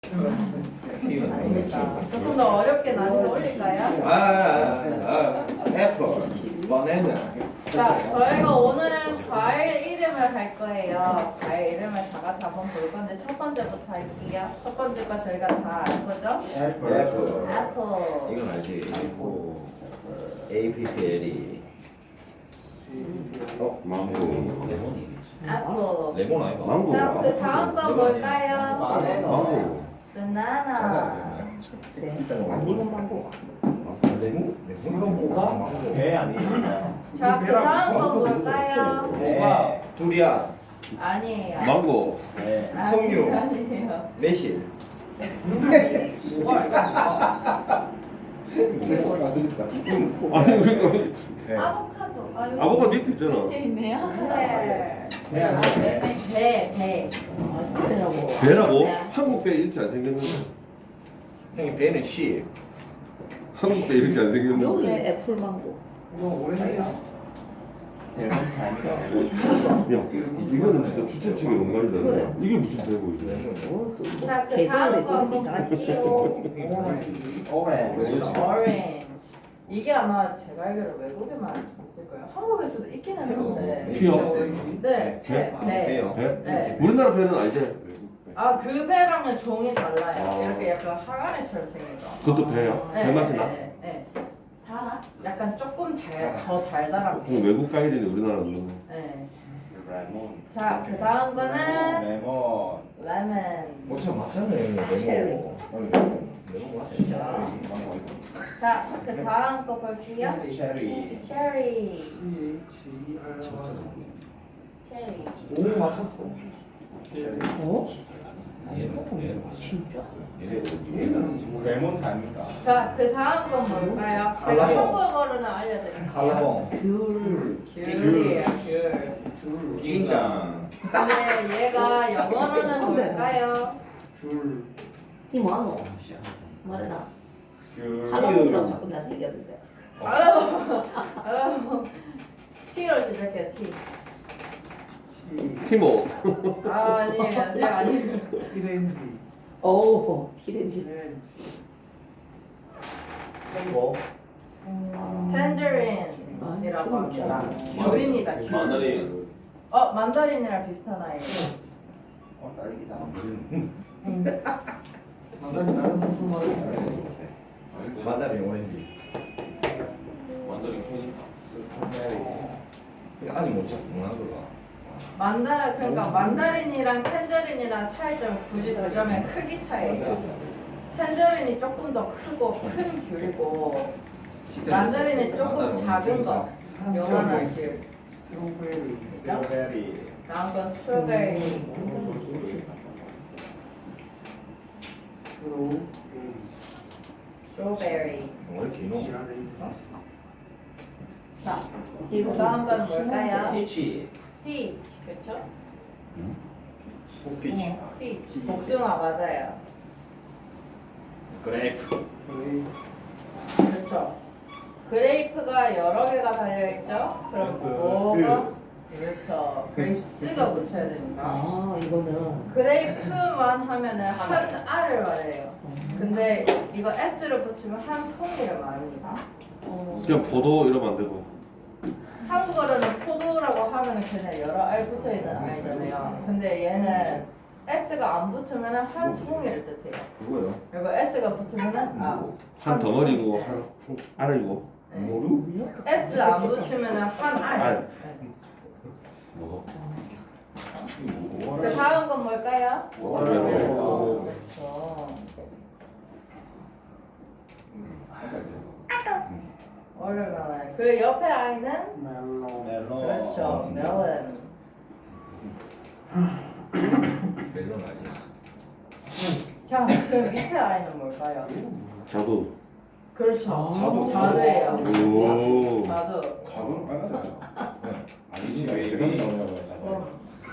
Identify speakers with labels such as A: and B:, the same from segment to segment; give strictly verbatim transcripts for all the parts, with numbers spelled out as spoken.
A: 조금 더 어렵게 난이도 올릴까요?
B: 아, 아, 아, 애플, 바나나.
A: 자, 저희가 오늘은 과일 이름을 할 거예요. 과일 이름을 다 같이 한번 볼 건데 첫 번째부터 할게요. 첫 번째 거 저희가 다 아는 거죠?
B: 애플, 애플.
A: 애플.
B: 이건 알지? 에이피피엘이. 어, 망고. 레몬이.
A: 애플.
B: 레몬 아이가?
C: 망고.
A: 자, 그 다음 거 뭘까요?
C: 망고.
A: 바나나.
D: 그래. 안 익은 망고.
B: 레몬? 레몬?
E: 배 아니에요?
A: 자, 그 다음 거 뭘까요?
B: 네. 두리안,
A: 아니에요.
C: 망고.
E: 네.
A: 아니,
B: 석류.
A: 아니에요.
B: 매실.
C: 아니 그러니까
A: 아보카도. 아, 여기
C: 아보카도 밑에 있잖아.
A: 밑에 있네요. 네.
E: 배 아니에요?
A: 배, 배.
D: 배라고.
C: 배라고?
A: 네.
C: 한국 배 이렇게 안 생겼는데.
B: 형님 배는 씨.
C: 한국 배 이렇게 안 생겼는데.
D: 여기는 애플 망고.
E: 이거 오렌지. 대만 다니까.
C: 야, 이거는 진짜 추천치기 농간이다.
D: 그래.
C: 이게 무슨 배고 이게?
D: 어, 그
A: 자, 그
D: 개그는
A: 다음
D: 왜
A: 거
D: 그렇게
A: 한번
D: 이상하지?
A: 볼게요.
E: 오렌지.
A: 오렌지. 이게 아마 제가 알기로 외국에만 있을 거예요. 한국에서도 있기는 한데.
C: 피어?
A: 네, 배, 배.
B: 배요.
C: 배?
A: 네.
C: 우리나라 배는 아니지?
A: 아, 그 배랑은 종이 달라요.
C: 아.
A: 이렇게 약간 항아리처럼 생긴 거.
C: 그것도 배야?
A: 네,
C: 배 맛이 나?
A: 네, 네. 달아? 약간 조금 달, 더 달달한
C: 그럼 외국 과일인데 우리나라 넣는 거.
A: 네.
E: 레몬.
A: 자, 그 다음 거는
E: 레몬.
A: 레몬.
B: 뭐참 맞잖아요. 레몬. 레몬 맞아요.
A: 자, 그 다음 거 볼게요.
E: 쉐리.
A: 체리. 체리.
E: 오 맞췄어.
D: 어?
B: 예,
D: 진짜?
E: 레몬 다니까.
A: 자, 그 다음 건 뭘까요? 제가
B: 칼라봉.
A: 한국어로는 알려드릴게요.
B: 칼라봉.
D: 귤.
A: 귤이에요, 귤.
B: 낑당.
A: 근데 얘가 영어로는 뭘까요?
E: 줄.
D: 이 뭐하노? 말해라.
E: 귤.
D: 할아버지랑 자꾸 나 얘기하는데.
A: 알아보, 알아보. T로 시작해요, T.
C: 티모.
A: 아, 아니에요, 아니에요, 아니에요.
E: 피렌지.
D: 어우, 티렌지.
E: 뭐?
A: 텐저린이라고 합니다. 귤입니다, 귤.
C: 만다린.
A: 어, 만다린이랑 비슷한 아이예요.
E: 어 딸기다.
B: 만다린 오렌지.
C: 만다린 캐니까.
B: 이거 아직 못 찾, 못 하더라.
A: 만다 그러니까 만다린이랑 텐저린이랑 차이점이 굳이 두자면 크기 차이예요. 텐저린이 조금 더 크고 큰 귤이고 만다린이 조금 작은 거, 요만한 귤.
E: 스트로베리. 스트로베리.
A: 다음 건 스트로베리. 스트로베리.
B: 왜 이렇게 이노?
A: 자, 그 다음 건 뭘까요?
B: 피치.
A: 피치, 그렇죠?
B: 피치.
A: 피치. 복숭아 맞아요.
B: 그레이프.
A: 그렇죠. 그레이프가 여러 개가 달려있죠? 그럼 뭐가? 그렇죠. 그레이프스가 붙여야 됩니다.
D: 아, 이거는.
A: 그레이프만 하면은 한 알을 말해요. 근데 이거 S를 붙이면 한 송이를 말합니다. 어,
C: 그냥 포도 이러면 안 되고.
A: 한국어로는 포도라고 하면은 그냥 여러 알 붙어있는 알잖아요. 근데 얘는 S가 안 붙으면 한 송이를 뜻해요.
B: 그거요?
A: 그리고 S가 붙으면은 아,
C: 한 덩어리고
A: 송이.
C: 한, 한 알이고.
A: 네.
B: 모루?
A: S 안 붙으면은 한 알.
C: 알.
A: 네.
C: 뭐?
A: 그 다음 건 뭘까요?
C: 워터멜론.
A: 어, 그렇죠. 워터멜론. 그 옆에 아이는
E: 멜론. 멜론.
A: 그렇죠. 멜론.
B: 멜론 아니야?
A: 자, 그 밑에 아이는 뭘까요?
C: 자두.
A: 그렇죠.
B: 자두.
A: 자두예요.
C: 오.
A: 자두.
E: 가루는 빨간색이야.
B: 아니지,
E: 왜
B: 왜
E: 이런
B: 이래?
E: 나오냐고 했잖아.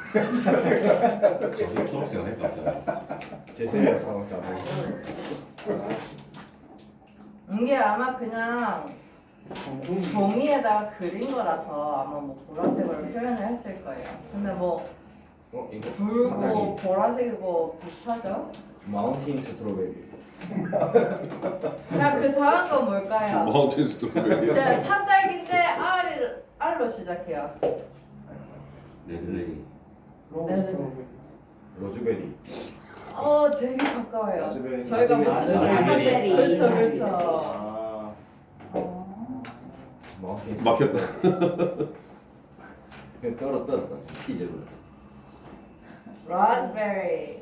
F: 저도 초록색 안 했다.
B: 제 생각에서 자두.
A: 이게 아마 그냥 종이에다 그린 거라서 아마 뭐 보라색으로 표현을 했을 거예요. 근데 뭐
B: 어, 이거
A: 붉고
B: 사다리.
A: 보라색이고 비슷하죠?
B: 마운틴 스트로베리.
A: 자, 그 다음 건 뭘까요?
C: 마운틴 스트로베리.
A: 네, 산딸기인데 R을, R로 시작해요.
C: 레드레이.
A: 네.
B: 로즈베리.
A: 어, 되게 가까워요.
B: 라즈베리.
A: 저희가 못 쓰는
B: 라즈베리.
A: 그렇죠, 그렇죠.
E: 아,
A: 어.
B: 마운틴 스트로베리.
C: 막혔다.
B: 그냥 떨어 떨었다. 피즈로.
A: 라즈베리.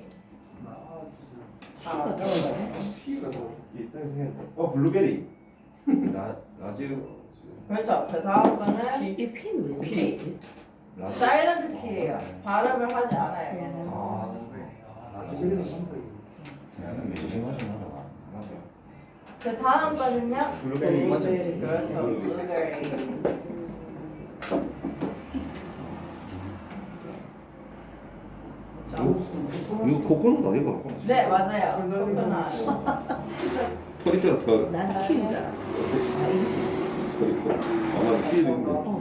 A: 아,
E: 피가 더 비싸게 생겼네. 어, 블루베리.
B: 라 라즈
A: 그렇죠. 그 다음 거는
D: 이 핀 왜
A: 피.
D: 이렇게
B: 라즈.
A: 사일런트 P예요. 발음을 하지 않아요. 얘는.
B: 아,
E: 라즈베리는 상당히.
B: 나는 매진하지 마라. 맞아.
A: 그 다음 거는요.
E: 블루베리.
B: 맞아.
A: 그렇죠. 블루베리.
C: 이거 코코넛 아닌가?
A: 네, 맞아요. 코코넛.
C: 털 있잖아 털.
D: 난 핀다. 아, 이
C: 털 있고. 아마 티 있는 거.
D: 어.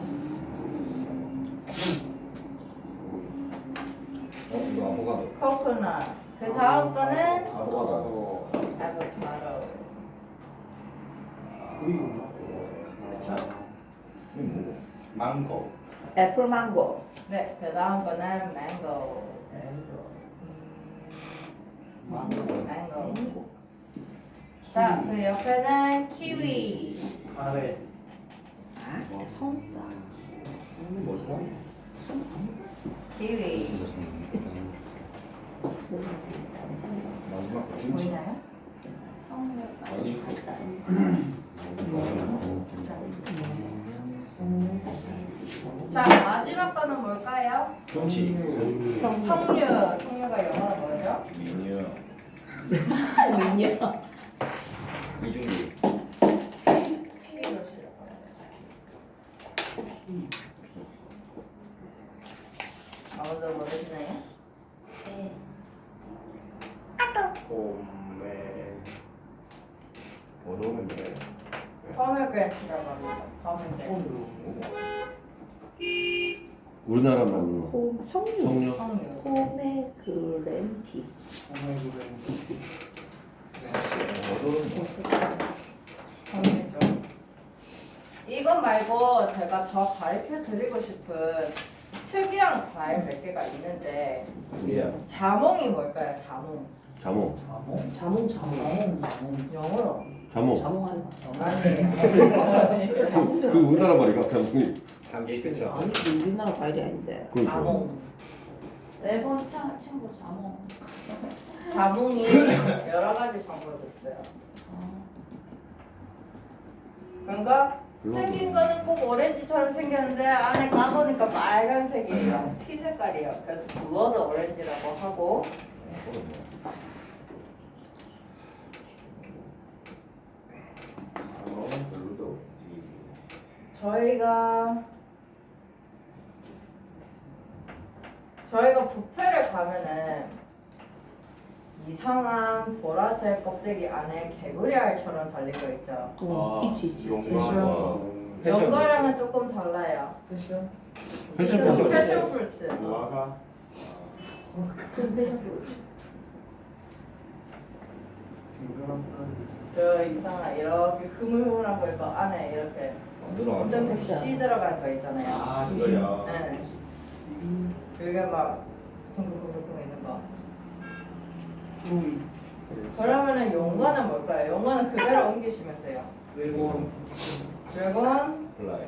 B: 어, 이거 아보가도.
A: 코코넛. 그 다음 거는
B: 아보가도.
A: 아보카도. 그렇죠.
B: 이게 뭐고?
E: 망고.
D: 애플 망고.
A: 네, 그 다음 거는 망고. 망고. 자, 그 옆에는 키위.
E: 아래.
D: 아, 손다.
E: 뭐죠?
A: 키위.
B: 마지막 거 중치.
A: 보이나요?
C: 아니.
A: 자, 마지막 거는 뭘까요?
B: 중치.
A: 석류. 석류가 영어로 뭐죠?
B: 미녀.
D: 미녀.
B: 이중기.
A: P로 시작합니다. 아무도 모르시나요? 네.
E: 봄에.
B: 어려운데.
A: 포메그레이트라고 합니다. 포메그레이트.
C: 우리나라 말로
D: 홈 성류.
C: 성류.
A: 석류.
D: 포메그랜티.
B: 어려운데.
A: 석류죠. 이거 말고 제가 더 가르쳐 드리고 싶은 특이한 과일 몇 개가 있는데
B: 예.
A: 자몽이 뭘까요? 자몽.
C: 자몽.
D: 자몽 자몽.
A: 영어로.
C: 자몽.
D: 자몽 알바.
A: 아니에요.
D: 자몽
C: 그 우리나라 말이가 자몽이.
B: 단계 끝이야.
D: 아니 그 우리나라 과일이 아닌데.
C: 그러니까.
A: 자몽.
F: 네 번째 친구 자몽.
A: 자몽이 여러 가지 방법이 있어요. 그러니까 생긴 거는 꼭 오렌지처럼 생겼는데 안에 까보니까 빨간색이에요. 피 색깔이에요. 그래서 블러드 오렌지라고 하고
E: 어, 별로도 없지.
A: 저희가 저희가 뷔페를 가면은 이상한 보라색 껍데기 안에 개구리알처럼 달리고 있죠.
D: 어, 있지 있지.
E: 용과.
A: 연거랑은 조금 달라요.
B: 패션?
C: 패션
A: 패션,
C: 프루트.
A: 패션 프루트.
E: 무화과.
D: 그럼 배가 부르지.
E: 징그럽다.
A: 저 이상한 이렇게 흐물흐물한 거 이거 안에 이렇게
B: 만들어.
A: 검정색 씨 들어간 거 있잖아요.
E: 아, 이거요.
A: 네. 그게 막 둥둥둥둥 있는 거.
E: 음.
A: 그러면은 용과는 뭘까요? 용과는 그대로 옮기시면 돼요.
E: 그리고
A: 드래곤,
B: 플라이.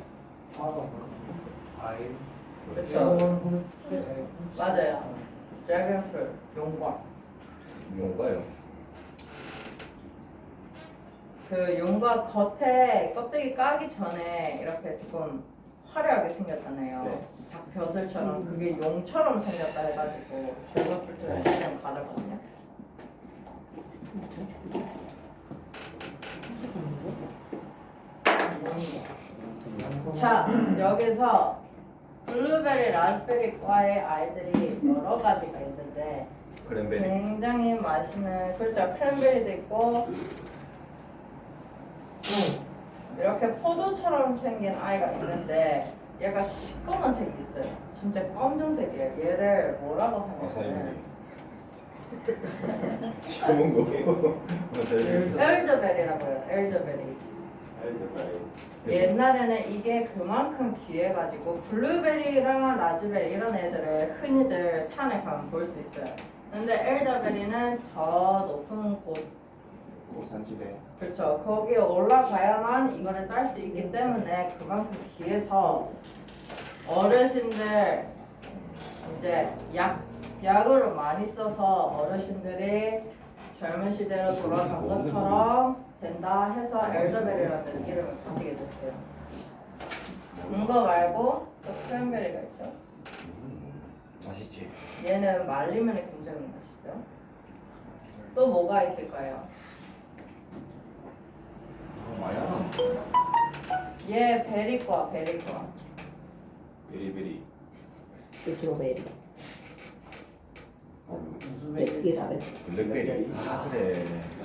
E: 과일.
A: 그렇죠. 맞아요. 드래곤 프루트, 용과.
B: 뭔가요?
A: 그 용과 겉에 껍데기 까기 전에 이렇게 조금 화려하게 생겼잖아요.
B: 네.
A: 닭벼슬처럼 그게 용처럼 생겼다 해가지고 드래곤 프루트를 그냥 가져거든요. 자, 여기서 블루베리, 라스베리과의 아이들이 여러 가지가 있는데
B: 크랜베리.
A: 굉장히 맛있는, 그렇죠, 크랜베리도 있고 이렇게 포도처럼 생긴 아이가 있는데 얘가 시꺼먼 색이 있어요. 진짜 검정색이에요. 얘를 뭐라고 하냐면
B: 아사이베리. 좋은 거예요.
A: 엘더베리라고요. 엘더베리. 옛날에는 이게 그만큼 귀해가지고 블루베리랑 라즈베리 이런 애들을 흔히들 산에 가면 볼 수 있어요. 근데 엘더베리는 저 높은 곳,
E: 고산지대.
A: 그렇죠. 거기에 올라가야만 이거를 딸 수 있기 때문에 그만큼 귀해서 어르신들 이제 약 약으로 많이 써서 어르신들이 젊은 시대로 돌아간 것처럼 된다 해서 엘더베리라는 이름을 가지게 됐어요. 이거 말고 또 크랜베리가 있죠.
B: 맛있지.
A: 얘는 말리면 굉장히 맛있죠. 또 뭐가 있을까요?
B: 어, 마야.
A: 얘 베리과 베리과.
E: 베리베리.
D: 스트로베리. 어떻게 잘했어?
B: 블랙베리. 아 그래.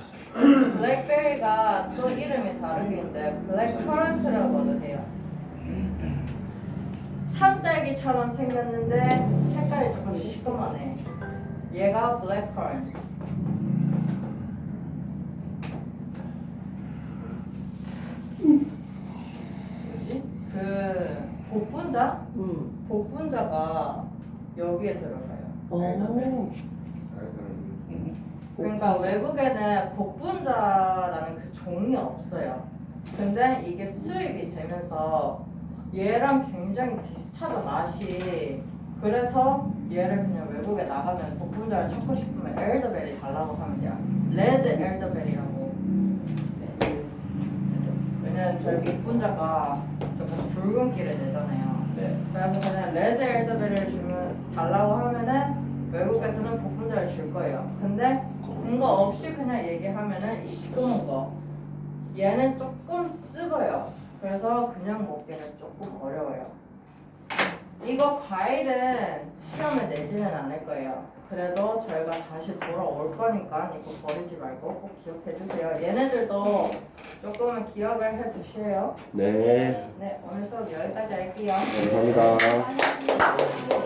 A: 블랙베리가 또 이름이 다르게 있는데 블랙 커런트라고도 해요. 산딸기처럼 생겼는데 색깔이 조금 시꺼먼해. 얘가 블랙 커런트. 뭐지? 그 복분자?
D: 응.
A: 복분자가 여기에 들어가요.
D: 어.
A: 그러니까 외국에는 복분자라는 그 종이 없어요. 근데 이게 수입이 되면서 얘랑 굉장히 비슷하다 맛이. 그래서 얘를 그냥 외국에 나가면 복분자를 찾고 싶으면 엘더베리 달라고 하면 돼요. 레드 엘더베리라고. 네. 왜냐면 저희 복분자가 조금 붉은기를 내잖아요.
B: 네.
A: 그래서 그냥 레드 엘더베리를 주면 달라고 하면은 외국에서는 복분자를 줄 거예요. 근데 이거 없이 그냥 얘기하면은 이 시꺼먼 거 얘는 조금 습어요. 그래서 그냥 먹기는 조금 어려워요. 이거 과일은 시험에 내지는 않을 거예요. 그래도 저희가 다시 돌아올 거니까 이거 버리지 말고 꼭 기억해 주세요. 얘네들도 조금은 기억을 해 주세요.
C: 네.
A: 네, 오늘 수업 여기까지 할게요.
C: 감사합니다.